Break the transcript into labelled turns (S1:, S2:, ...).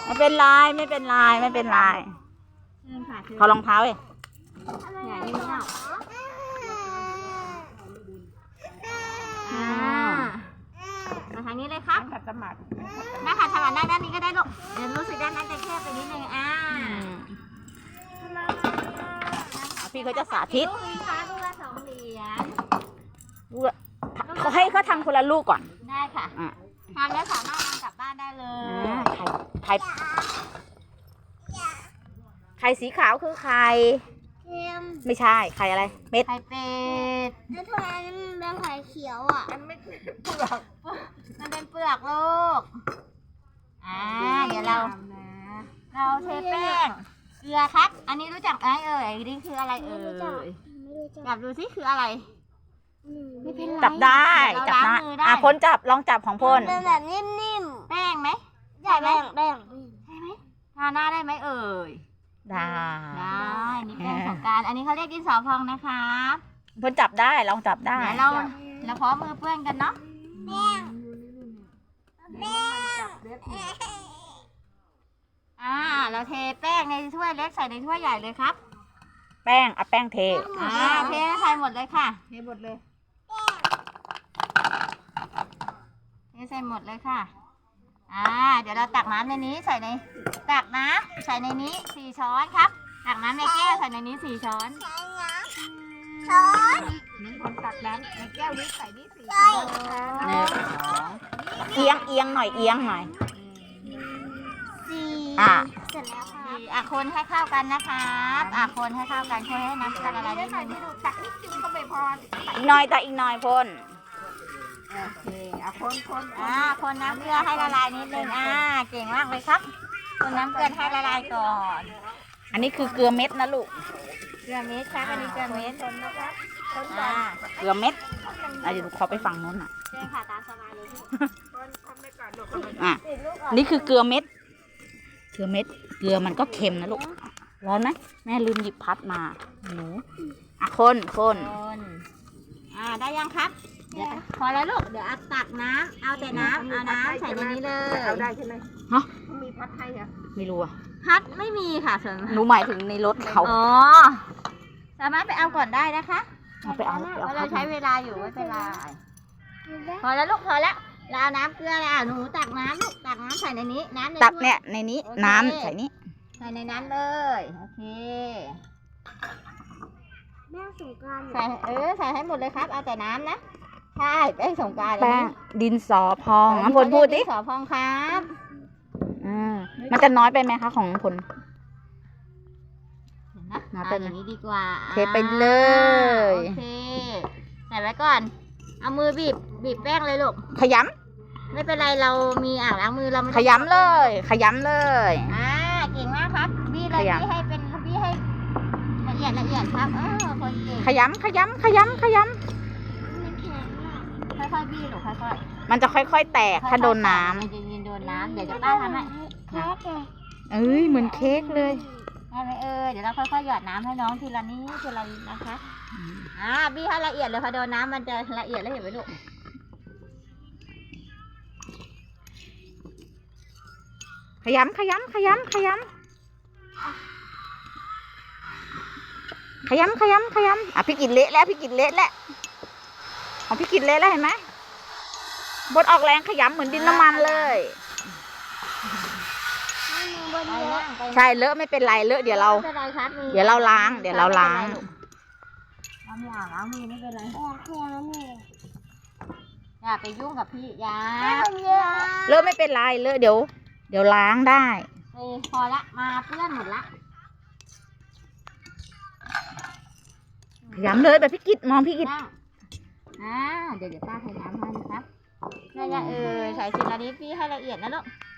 S1: ไม่เป็นไรไม่เป็นไรไม่เป็นไรขอรองเท้าเลย
S2: อย่านิ่งเนาะมาทางนี้เลยครับขัดสมาธิแม่ขัดสมาธิด้านนี้ก็ได้ลูกเดี๋ยวรู้สึกด้านนั้นจะแคบไปนิดนึง
S1: พี่เขาจะสาธิต
S2: ลูกละ2 เหรียญ
S1: เขาให้เขาทำคนละลูกก่อน
S2: ได้ค่ะทำแล้วสามารถนำกลับบ้านได้เลย
S1: ไข่สีขาวคือไข่ไม่ใช่ไข่อะไรเป็ด
S2: ไข่เป็ด
S3: แล้วทำไมมันเป็นไข่เขียวอ่ะ
S2: มันไม่เป็นเปลือกมันเป็นเปลือกลูกเดี๋ยวเราเทแป้งเกลือครับอันนี้รู้จักไหมนี่คืออะไรจับดูสิคืออะไรไม่เป็นไร
S1: จับได้พลจับลองจับของพล
S3: เป็นแบบนิ่ม
S2: ๆแป้งไหม
S3: ใช่ไหมแป้ง
S2: ใช่ไหมทาหน้าได้ไหม
S1: ได้
S2: นี่แป้งของการอันนี้เขาเรียกดินสอพองนะคะ
S1: พลจับได้ลองจับได้
S2: เดี๋ยวเราพร้อมมือเปื้อนกันเนาะเราเทแป้งในถ้วยเล็กใส่ในถ้วยใหญ่เลยครับ
S1: แป้งเอาแป้งเท
S2: เทใส่หมดเลยค่ะเทหมดเลยเทใส่หมดเลยค่ะเดี๋ยวเราตักน้ำในนี้ตักน้ำใส่ในนี้4 ช้อนครับตักน้ำในแก้วใส่ในนี้4 ช้อนนี่คนตักน้ำในแก้วนี้ใส่นี่4 ช้อน
S1: เอียงหน่อย
S3: เสร็จแล้ว
S2: ค่ะคนให้เข้ากันนะครับคนให้เข้ากันคนให้น้ำละลายนิดนึงตักนิดนึงก็ไม่พอ
S1: อีกหน่อยพล
S2: โอเคคนน้ำเกลือให้ละลายนิดนึงเก่งมากเลยครับคนน้ำเกลือให้ละลายก่อน
S1: อันนี้คือเกลือเม็ดนะลูก
S2: เกลือเม็ดครับอันนี้เกลือเม็ดนะครับ
S1: เกลือเม็ดเดี๋ยวเขาไปฝั่งโน้น
S2: ใช่ค่ะตามสบายเลย
S1: นี่คือเกลือเม็ดเกลือมันก็เค็มนะลูกร้อนไหมแม่ลืมหยิบพัดมาหนูคน
S2: ได้ยังครับพอแล้วลูกเดี๋ยวตักน้ำเอาแต่น้ำใส่ในนี้เลย
S3: เอาได้ใช่ไหม
S2: มีพัดให้เหรอ
S1: ไม่รู้
S2: พัดไม่มีค่ะส่วน
S1: หนูหมายถึงในรถเขา
S2: สามารถไปเอาก่อนได้นะคะ
S1: เอา
S2: เราใช้เวลาอยู่ไม่เป็นไรพอแล้วลูกพอแล้วเราเอาน้ำเกลือหนูตักน้ำลูกตักน้ำใส่ในนี้น้ำ
S1: ตักเนี่ยในนี้น้ำใส่นี้
S2: ใส่ในนั้นเลยโอเค
S3: แม่สงกรานต์
S2: ใส่ให้หมดเลยครับเอาแต่น้ำนะใช่แป้งสงกรานต์
S1: แป้งดินสอพองพลพูดดิ
S2: ดินสอพองครับ
S1: มันจะน้อยไปไหมคะของพล
S2: อย่างนี้ดีกว่า
S1: เทไปเลย
S2: โอเคใส่ไว้ก่อนเอามือบีบแป้งเลยลูก
S1: ขย
S2: ำไม่เป็นไรเรามีอ่างล้างมือเรา
S1: ขยำเลยเ
S2: ก่งมากครับบี้เลยบี้ให้ละเอียดครับคนเก่ง
S1: ขยำ
S2: ค่อยๆบี้หรือค่อย
S1: ๆมันจะค่อยๆแตกถ้าโดนน้ำ
S2: มันจะยินโดนน้ำเดี๋ยวจะป้าทำให้
S1: เหมือนเค้กเลย
S2: ได้ไหมเดี๋ยวเราค่อยๆหยอดน้ำให้น้องทีละนิดนะคะบี้ให้ละเอียดเลยพอโดนน้ำมันจะละเอียดแล้วเห็นไหมลูก
S1: ขยำพี่กินเละแล้วของพี่กินเละแล้วเห็นไหมบดออกแรงขยำเหมือนดินน้ำมันเลยใช่เลอะไม่เป็นไรเลอะเดี๋ยวเราล้าง
S2: ล้างมือไม่เป็นไรอย่าไปยุ่งกับพี่ยา
S1: เลอะไม่เป็นไรเลอะเดี๋ยวล้างได้
S2: พอละมาเปื้อนหมดละ
S1: ขยำเลยแบบพี่กิตมองพี่กิต
S2: เดี๋ยวป้าใส่น้ำให้นะครับใส่ทีละนิดพี่ให้ละเอียดนะลูก